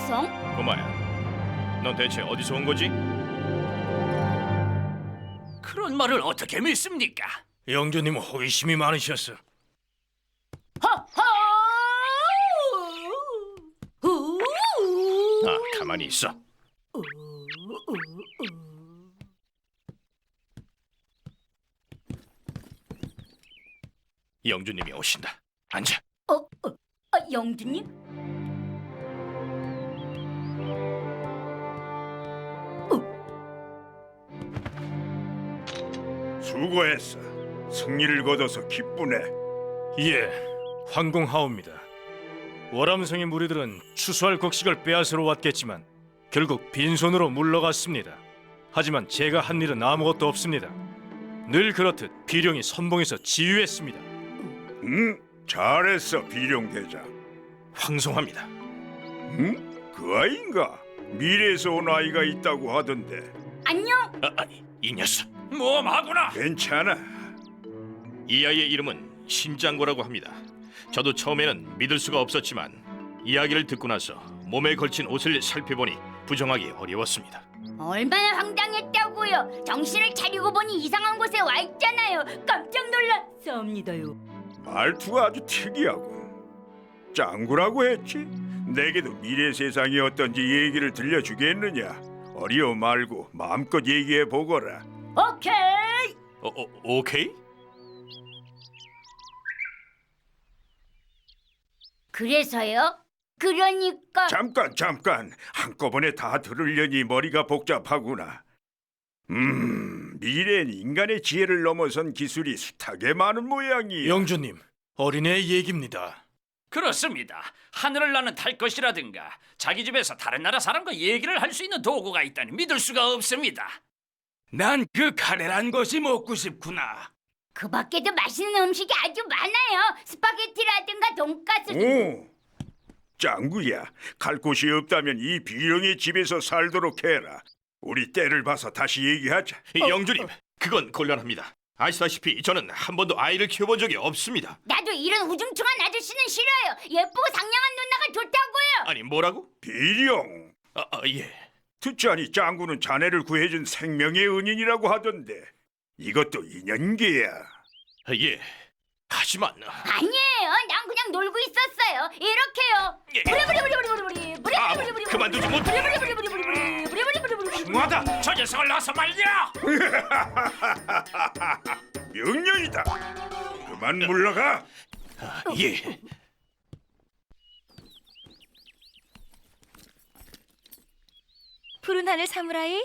이성? 꼬마야, 넌 대체 어디서 온 거지? 그런 말을 어떻게 믿습니까? 영조님은 호기심이 많으셨어. 아, 가만히 있어. 영조님이 오신다. 앉아. 영주님? 수고했어. 승리를 거둬서 기쁘네. 예, 황공하옵니다. 월암성의 무리들은 추수할 곡식을 빼앗으러 왔겠지만 결국 빈손으로 물러갔습니다. 하지만 제가 한 일은 아무것도 없습니다. 늘 그렇듯 비룡이 선봉에서 지휘했습니다. 잘했어, 비룡 대장. 황송합니다. 그 아이인가? 미래에서 온 아이가 있다고 하던데. 안녕. 아니, 이 녀석. 모험하구나. 괜찮아. 이 아이의 이름은 신장고라고 합니다. 저도 처음에는 믿을 수가 없었지만 이야기를 듣고 나서 몸에 걸친 옷을 살펴보니 부정하기 어려웠습니다. 얼마나 황당했다고요. 정신을 차리고 보니 이상한 곳에 와 있잖아요. 깜짝 놀랐사옵니다요. 말투가 아주 특이하군. 짱구라고 했지? 내게도 미래 세상이 어떤지 얘기를 들려주겠느냐? 어려워 말고 마음껏 얘기해 보거라. 오케이. 오케이? 그래서요? 그러니까 잠깐. 한꺼번에 다 들으려니 머리가 복잡하구나. 미래엔 인간의 지혜를 넘어선 기술이 숱하게 많은 모양이야. 영조님, 어린애의 얘기입니다. 그렇습니다. 하늘을 나는 탈 것이라든가 자기 집에서 다른 나라 사람과 얘기를 할 수 있는 도구가 있다니 믿을 수가 없습니다. 난 그 카레란 것이 먹고 싶구나. 그 밖에도 맛있는 음식이 아주 많아요. 스파게티라든가 돈가스. 오, 짱구야. 갈 곳이 없다면 이 비룡의 집에서 살도록 해라. 우리 때를 봐서 다시 얘기하자. 영조님, 그건 곤란합니다. 아시다시피 저는 한 번도 아이를 키워본 적이 없습니다. 나도 이런 우중충한 아저씨는 싫어요. 예쁘고 상냥한 누나가 좋다고요. 아니, 뭐라고? 비룡. 예. 듣자니 짱구는 자네를 구해준 생명의 은인이라고 하던데 이것도 인연계야. 예. 하지만 아니에요. 난 그냥 놀고 있었어요. 이렇게요. 예. 부리부리부리부리부리. 부리부리부리부리. 그만두지 못해. 부리부리부리부리부리. 부리부리부리부리. 뭐하다? 저 녀석을 놔서 말이야. 명령이다. 그만 물러가. 예. 푸른 하늘 사무라이?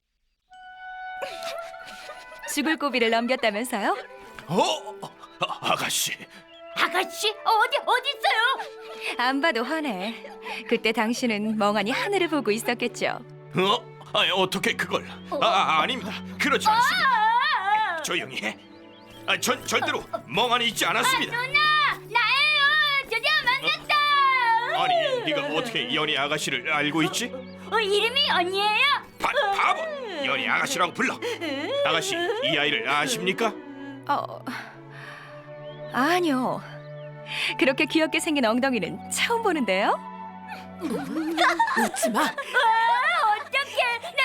죽을 고비를 넘겼다면서요? 아가씨. 아가씨 어디 있어요? 안 봐도 화내. 그때 당신은 멍하니 하늘을 보고 있었겠죠. 아니, 어떻게 그걸? 아닙니다. 그렇지 않습니다. 조용히 해. 전 절대로 멍하니 있지 않았습니다. 누나 나예요. 드디어 만났다. 아니, 네가 어떻게 연희 아가씨를 알고 있지? 이름이 언니예요? 바보! 연희 아가씨라고 불러. 아가씨, 이 아이를 아십니까? 아니요. 그렇게 귀엽게 생긴 엉덩이는 처음 보는데요. 웃지 마. 어떡해. 내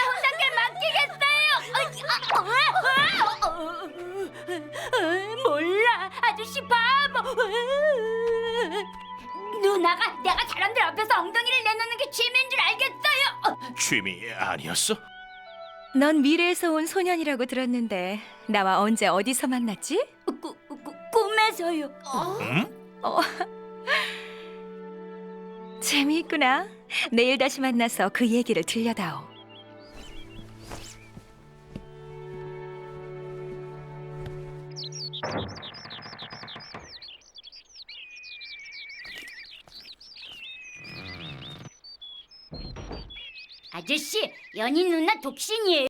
혼자게 맡기겠어요. 몰라. 아저씨 바보. 누나가 내가 사람들 앞에서 엉덩이를 내놓는 게 취미인 줄 알겠어요. 취미 아니었어? 넌 미래에서 온 소년이라고 들었는데 나와 언제 어디서 만났지? 꿈에서요. 재미있구나. 내일 다시 만나서 그 얘기를 들려다오. 아저씨, 연희 누나 독신이에요?